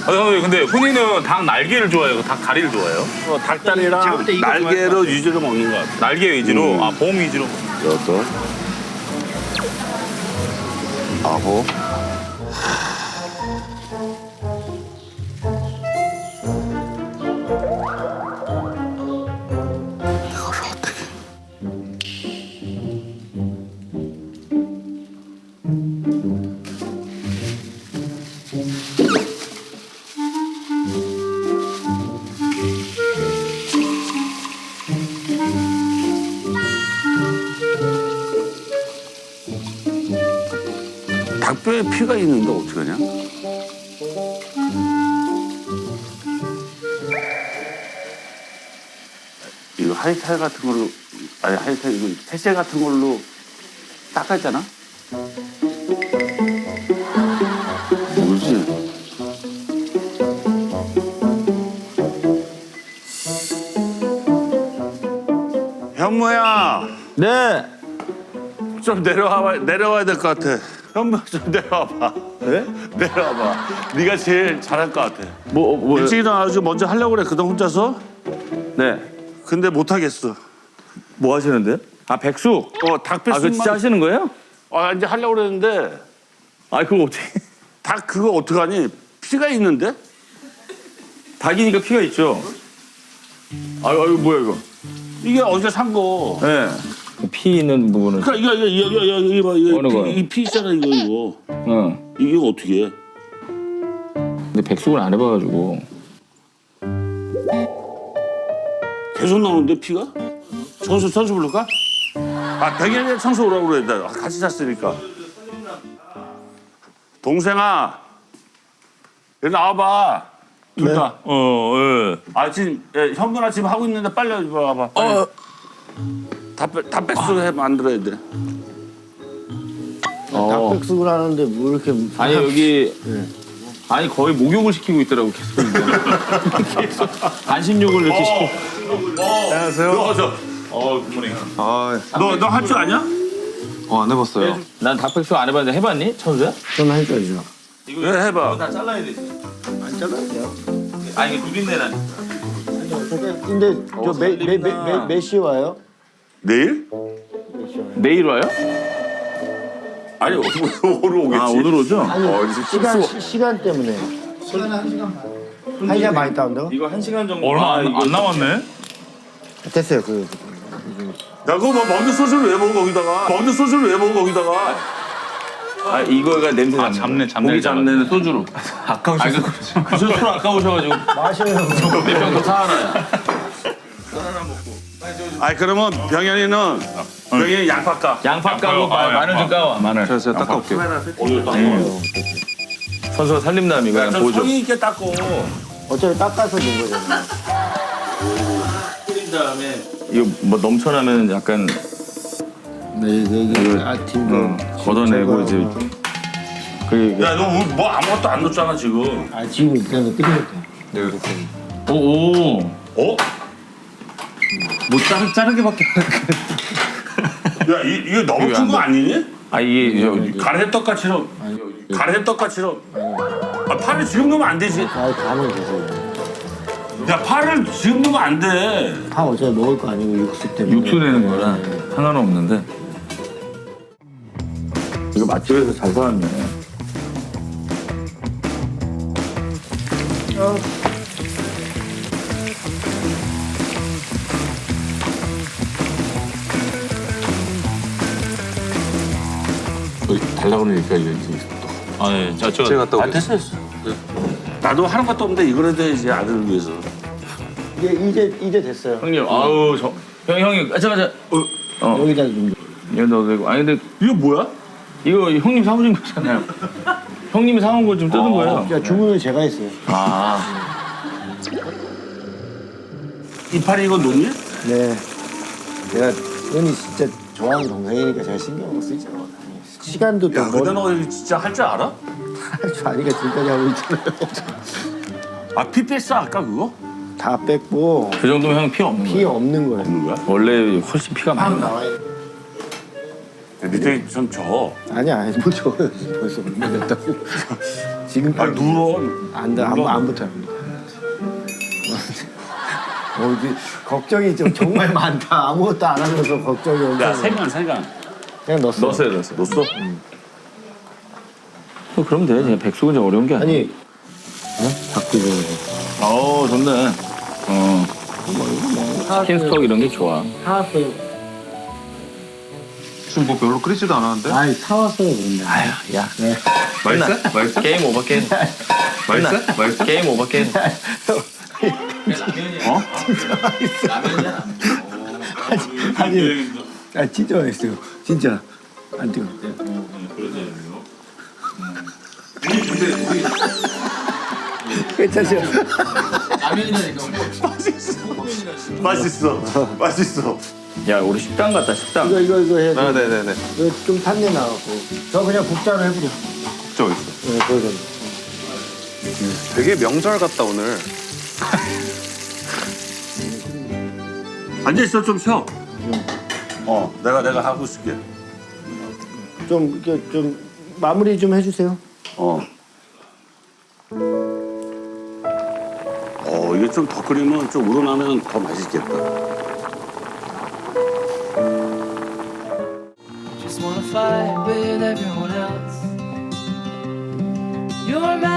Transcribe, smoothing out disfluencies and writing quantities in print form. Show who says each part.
Speaker 1: 형님 근데 훈이는 닭 날개를 좋아해요? 닭 다리를 좋아해요?
Speaker 2: 닭다리랑 날개로 위주로 먹는 것 같아.
Speaker 1: 날개 위주로? 아, 봄 위주로?
Speaker 2: 여덟, 아홉. 닭뼈에 피가 있는데 어떡하냐? 이거 하이탈 같은 걸로, 아니 하이탈 이거 태세 같은 걸로 닦았잖아? 뭐지? 현무야,
Speaker 3: 네.
Speaker 2: 좀 내려와야 될 것 같아. 현무 좀 내려와봐.
Speaker 3: 네?
Speaker 2: 내려와봐. 네가 제일 잘할 것 같아.
Speaker 3: 뭐요?
Speaker 2: 일찍 일어나가지고 먼저 하려고 그래. 그동안 혼자서.
Speaker 3: 네.
Speaker 2: 근데 못 하겠어.
Speaker 3: 뭐 하시는데요? 아, 백숙.
Speaker 2: 닭
Speaker 3: 아, 그거
Speaker 2: 뱃속만.
Speaker 3: 진짜 하시는 거예요?
Speaker 2: 이제 하려고 그랬는데
Speaker 3: 아, 그거 어떻게?
Speaker 2: 닭 그거 어떡하니? 피가 있는데?
Speaker 3: 닭이니까 피가 있죠. 아, 이거 뭐야 이거?
Speaker 2: 이게 어제 산 거.
Speaker 3: 네. 피 있는 부분은.
Speaker 2: 그러니까 이거 봐.
Speaker 3: 어느 거요?
Speaker 2: 이 피 있잖아 이거.
Speaker 3: 응.
Speaker 2: 이거 어떻게 해?
Speaker 3: 근데 백숙을 안 해봐가지고.
Speaker 2: 계속 나오는데 피가? 선수 부를까? 백일에 청소 오라고 그래. 나 같이 잤으니까. 동생아, 여기 나와봐. 둘 다.
Speaker 3: 예.
Speaker 2: 지금 현근아 지금 하고 있는데 빨리 와봐. 빨리. 다 뱃속 만들어야 돼.
Speaker 4: 닭백숙을 하는데 뭐 이렇게
Speaker 3: 아니 여기. 아니 거의 목욕을 시키고 있더라고 계속. 계속 안심욕을 이렇게 시키고.
Speaker 2: 안녕하세요.
Speaker 1: 굿모닝.
Speaker 2: 너 할 줄 아냐?
Speaker 5: 안 해봤어요.
Speaker 3: 난 닭백숙 안 해봤는데 해봤니? 천수야?
Speaker 4: 좀 해줘야죠.
Speaker 2: 왜 해봐.
Speaker 3: 다 잘라야 되지.
Speaker 4: 안 잘라도 돼요.
Speaker 3: 아 이게 누린내 나니.
Speaker 4: 근데 몇 시에 와요?
Speaker 2: 내일?
Speaker 3: 내일 와요?
Speaker 2: 아니 오늘 오겠지.
Speaker 3: 아 오늘 오죠?
Speaker 4: 아니 시간 때문에. 한 시간 많이 따온다고?
Speaker 3: 이거 1시간 정도.
Speaker 1: 얼마 안 남았네?
Speaker 4: 됐어요.
Speaker 2: 야 그거 뭐 먹는 소스를 왜 먹어 거기다가? 먹는 소스를 왜 먹어 거기다가?
Speaker 3: 아 이거가 냄새 나는
Speaker 1: 잡내,
Speaker 3: 거야.
Speaker 1: 잡내
Speaker 3: 고기 잡내는 소주로.
Speaker 5: 아까우셔서
Speaker 3: 그 소주로 아까우셔가지고
Speaker 4: 마셔요.
Speaker 3: 몇병더 사하나요?
Speaker 2: 그러면 병현이는 병현이 양파 까.
Speaker 3: 양파 까고 마늘 좀 까와. 마늘.
Speaker 5: 제가 닦아올게요.
Speaker 3: 선수가 살림남 이거 그냥 보죠.
Speaker 2: 성의 있게 닦고.
Speaker 4: 어차피 닦아서 준 거잖아요.
Speaker 3: 끓인 다음에 이거 뭐 넘쳐나면 약간
Speaker 4: 네, 여기 팀도
Speaker 3: 걷어내고 이제 그
Speaker 2: 야너 뭐 아무것도 안 넣었잖아 지금.
Speaker 4: 지금 그냥 끓이면 돼.
Speaker 3: 오오
Speaker 2: 어?
Speaker 5: 뭐 자르게밖에
Speaker 2: 야 이거 너무 큰 거 아니니?
Speaker 3: 아 이게
Speaker 2: 가래떡같이럼. 가래떡같이럼. 파를 지금 넣으면 안 되지.
Speaker 4: 가면 되세요.
Speaker 2: 야 파를 지금 넣으면 안 돼.
Speaker 4: 파 어차피 먹을 거 아니고 육수 때문에.
Speaker 3: 육수 내는 거라 상관은 없는데 이거 맛집에서 잘 사왔네.
Speaker 5: 달라고 그러니까 이게 또.
Speaker 1: 네. 저
Speaker 5: 제가 갔다 오겠습니다.
Speaker 2: 됐어. 나도 하는 것도 없는데 이걸 해야지 아들을 위해서.
Speaker 4: 이제 됐어요.
Speaker 3: 형님 아우 형이 가자
Speaker 4: 여기다 좀.
Speaker 3: 이거 넣어도 되고 아니 근데
Speaker 2: 이거 뭐야?
Speaker 3: 이거 형님 사오신 거잖아요. 형님이 사온 걸 좀 뜯은 거예요.
Speaker 4: 주문은 제가 했어요.
Speaker 3: 아
Speaker 2: 이파리 이거 놓니?
Speaker 4: 네. 내가 흔히 진짜 좋아하는 동생이니까 제가 신경을 쓰죠. 시간도 또
Speaker 2: 야 근데 너 이거 진짜 할 줄 알아?
Speaker 4: 할줄 아니까 지금까지 하고 있잖아요.
Speaker 2: 피 뺐어 아까 그거?
Speaker 4: 다 뺐고
Speaker 3: 그 정도면 형 피 없는
Speaker 4: 피
Speaker 3: 거예요.
Speaker 4: 없는 거예요.
Speaker 2: 없는 거야?
Speaker 3: 원래 훨씬 피가 많이 나.
Speaker 4: 나와요.
Speaker 2: 밑에 좀 져.
Speaker 4: 아니야, 못 줘. 벌써 얼마 됐다고. 지금
Speaker 2: 아 누워.
Speaker 4: 안 붙어요. 이제 걱정이 좀 정말 많다. 아무것도 안 하면서 걱정이 엄청.
Speaker 2: 야 세간.
Speaker 4: 그냥 넣었어.
Speaker 3: 넣었어요.
Speaker 2: 넣었어?
Speaker 3: 그러면 돼. 그냥 백숙은 좀 어려운 게 아니야.
Speaker 4: 아니, 닭도 좀.
Speaker 3: 좋네. 치킨 스톡 이런 게 좋아.
Speaker 4: 사왔어요.
Speaker 5: 지금 뭐 별로 끓이지도 않았는데?
Speaker 4: 아이, 사왔어요, 그런데.
Speaker 3: 아유, 야.
Speaker 4: 네.
Speaker 5: 맛있어? 맛있어?
Speaker 3: 게임 오버 게임.
Speaker 5: 맛있어? 맛있어?
Speaker 3: 게임 오버 게임.
Speaker 4: 아니, 진짜 맛있어요. 진짜. 안 뜨거. 괜찮죠?
Speaker 2: 맛있어.
Speaker 3: 야, 우리 식당 갔다 식당.
Speaker 4: 이거 해야 돼.
Speaker 5: 아, 네네네.
Speaker 4: 이거 좀 탄내 나갖고. 저 그냥 국자로 해버려.
Speaker 5: 국자 있어.
Speaker 4: 네, 그러죠.
Speaker 5: 되게 명절 같다 오늘.
Speaker 2: 앉아 있어 좀 쉬어. 내가 하고 있을게.
Speaker 4: 좀, 이렇게 좀, 마무리 좀 해주세요.
Speaker 2: 이게 좀 더 끓이면 좀 우러나면 더 맛있겠다.
Speaker 6: Just wanna fight with everyone else. You're mad.